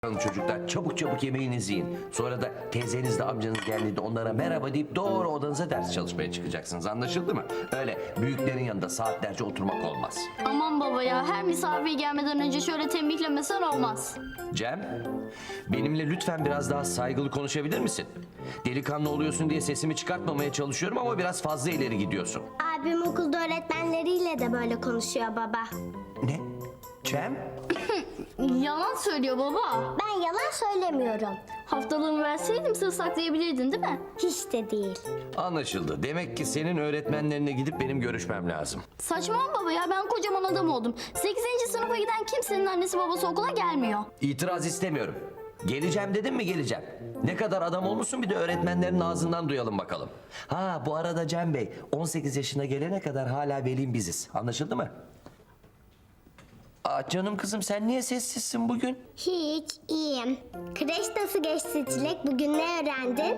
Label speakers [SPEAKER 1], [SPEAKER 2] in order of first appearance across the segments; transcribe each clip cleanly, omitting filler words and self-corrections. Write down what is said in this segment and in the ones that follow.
[SPEAKER 1] Çocuklar çabuk çabuk yemeğinizi yiyin. Sonra da teyzenizle amcanız geldiğinde onlara merhaba deyip doğru odanıza ders çalışmaya çıkacaksınız. Anlaşıldı mı? Öyle büyüklerin yanında saatlerce oturmak olmaz.
[SPEAKER 2] Aman baba ya, her misafir gelmeden önce şöyle tembihlemesen olmaz.
[SPEAKER 1] Cem, benimle lütfen biraz daha saygılı konuşabilir misin? Delikanlı oluyorsun diye sesimi çıkartmamaya çalışıyorum ama biraz fazla ileri gidiyorsun.
[SPEAKER 3] Abim okulda öğretmenleriyle de böyle konuşuyor baba.
[SPEAKER 1] Ne? Cem?
[SPEAKER 2] Yalan söylüyor baba.
[SPEAKER 3] Ben yalan söylemiyorum.
[SPEAKER 2] Haftalığımı verseydim sır saklayabilirdin değil mi?
[SPEAKER 3] Hiç de değil.
[SPEAKER 1] Anlaşıldı. Demek ki senin öğretmenlerine gidip benim görüşmem lazım.
[SPEAKER 2] Saçmalama baba ya, ben kocaman adam oldum. 8. sınıfa giden kimsenin annesi babası okula gelmiyor.
[SPEAKER 1] İtiraz istemiyorum. Geleceğim dedim mi geleceğim. Ne kadar adam olmuşsun bir de öğretmenlerin ağzından duyalım bakalım. Ha bu arada Cem Bey 18 yaşına gelene kadar hala velim biziz. Anlaşıldı mı? Aa, canım kızım sen niye sessizsin bugün?
[SPEAKER 3] Hiç, iyiyim. Kreş nasıl geçti Çilek? Bugün ne öğrendin?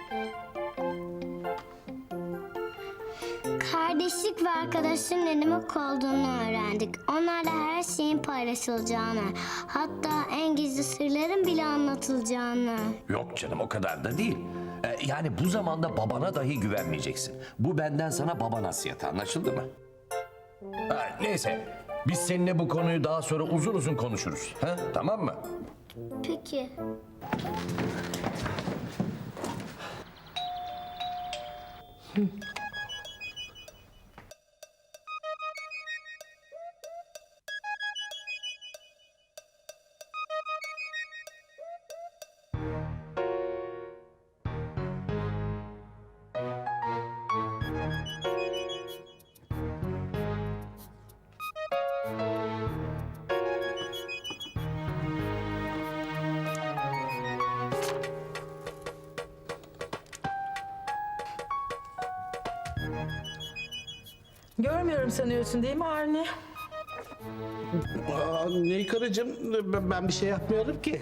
[SPEAKER 3] Kardeşlik ve arkadaşlığın ne demek olduğunu öğrendik. Onlarla her şeyin paylaşılacağını, hatta en gizli sırların bile anlatılacağını.
[SPEAKER 1] Yok canım o kadar da değil. Yani bu zamanda babana dahi güvenmeyeceksin. Bu benden sana baba nasihatı, anlaşıldı mı? Ha, neyse biz seninle bu konuyu daha sonra uzun uzun konuşuruz. Ha, tamam mı?
[SPEAKER 3] Peki.
[SPEAKER 4] Görmüyorum sanıyorsun değil mi Avni?
[SPEAKER 5] Neyi karıcığım? Ben bir şey yapmıyorum ki.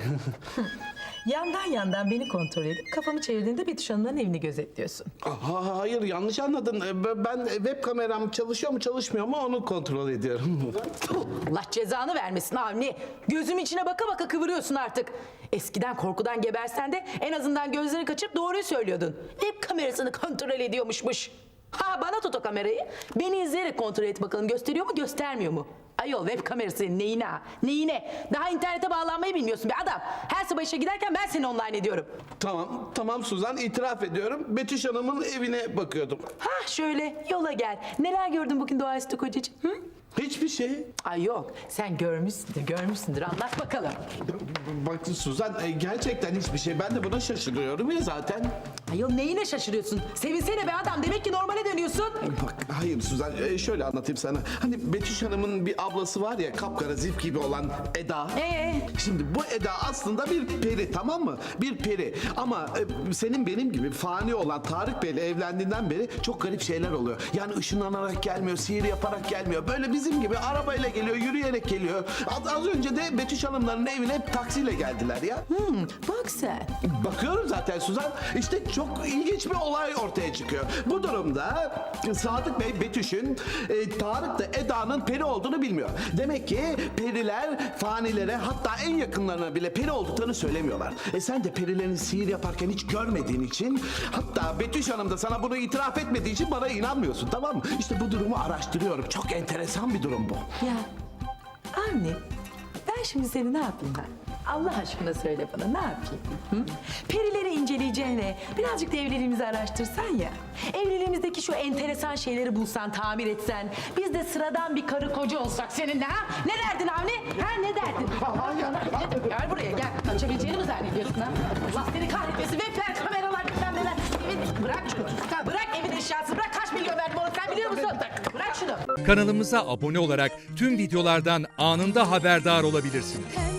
[SPEAKER 4] Yandan beni kontrol edip kafamı çevirdiğinde Betüş Hanım'ın evini gözetliyorsun.
[SPEAKER 5] Hayır yanlış anladın. Ben web kameram çalışıyor mu çalışmıyor mu onu kontrol ediyorum.
[SPEAKER 4] Allah cezanı vermesin Avni. Gözüm içine baka baka kıvırıyorsun artık. Eskiden korkudan gebersen de en azından gözlerini kaçırıp doğruyu söylüyordun. Web kamerasını kontrol ediyormuşmuş. Ha bana tut o kamerayı. Beni izleyerek kontrol et bakalım gösteriyor mu göstermiyor mu? Ayol web kamerası neyine ha? Neyine? Daha internete bağlanmayı bilmiyorsun be adam. Her sabah işe giderken ben seni online ediyorum.
[SPEAKER 5] Tamam Suzan itiraf ediyorum. Betüş Hanım'ın evine bakıyordum.
[SPEAKER 4] Ha şöyle yola gel. Neler gördün bugün doğaüstü kocacığım? Hı?
[SPEAKER 5] Hiçbir şey.
[SPEAKER 4] Ay yok sen görmüşsündür anlat bakalım.
[SPEAKER 5] Bak Suzan gerçekten hiçbir şey. Ben de buna şaşırıyorum ya zaten.
[SPEAKER 4] Ayol neyine şaşırıyorsun? Sevinsene be adam demek ki normale dönüyorsun.
[SPEAKER 5] Bak hayır Suzan şöyle anlatayım sana. Hani Betüş Hanım'ın bir ablası var ya kapkara zif gibi olan Eda. Şimdi bu Eda aslında bir peri tamam mı? Bir peri ama senin benim gibi fani olan Tarık Bey'le evlendiğinden beri çok garip şeyler oluyor. Yani ışınlanarak gelmiyor, sihir yaparak gelmiyor. Böyle bizim gibi arabayla geliyor, yürüyerek geliyor. Az önce de Betüş Hanımların evine hep taksiyle geldiler ya.
[SPEAKER 4] Bak sen.
[SPEAKER 5] Bakıyorum zaten Suzan. İşte çok ilginç bir olay ortaya çıkıyor. Bu durumda Sadık Bey Betüş'ün Tarık da Eda'nın peri olduğunu bilmiyor. Demek ki periler fanilere hatta en yakınlarına bile peri olduklarını söylemiyorlar. Sen de perilerin sihir yaparken hiç görmediğin için hatta Betüş Hanım da sana bunu itiraf etmediği için bana inanmıyorsun tamam mı? İşte bu durumu araştırıyorum. Çok enteresan bir durum bu.
[SPEAKER 4] Ya anne ben şimdi seni ne yapayım ben? Allah aşkına söyle bana ne yapayım? Hı? Perileri inceleyeceğine birazcık da evliliğimizi araştırsan ya. Evliliğimizdeki şu enteresan şeyleri bulsan, tamir etsen. Biz de sıradan bir karı koca olsak seninle ha? Ne derdin Avni? Ha ne derdin? Gel buraya gel. Kaçabileceğini mi zannediyorsun ha? Allah seni kahretmesin. Webler, kameralar, bilmem neler. Bırak şunu. Bırak evin eşyası. Bırak kaç milyon verdim ona sen biliyor musun? Bırak şunu.
[SPEAKER 6] Kanalımıza abone olarak tüm videolardan anında haberdar olabilirsiniz.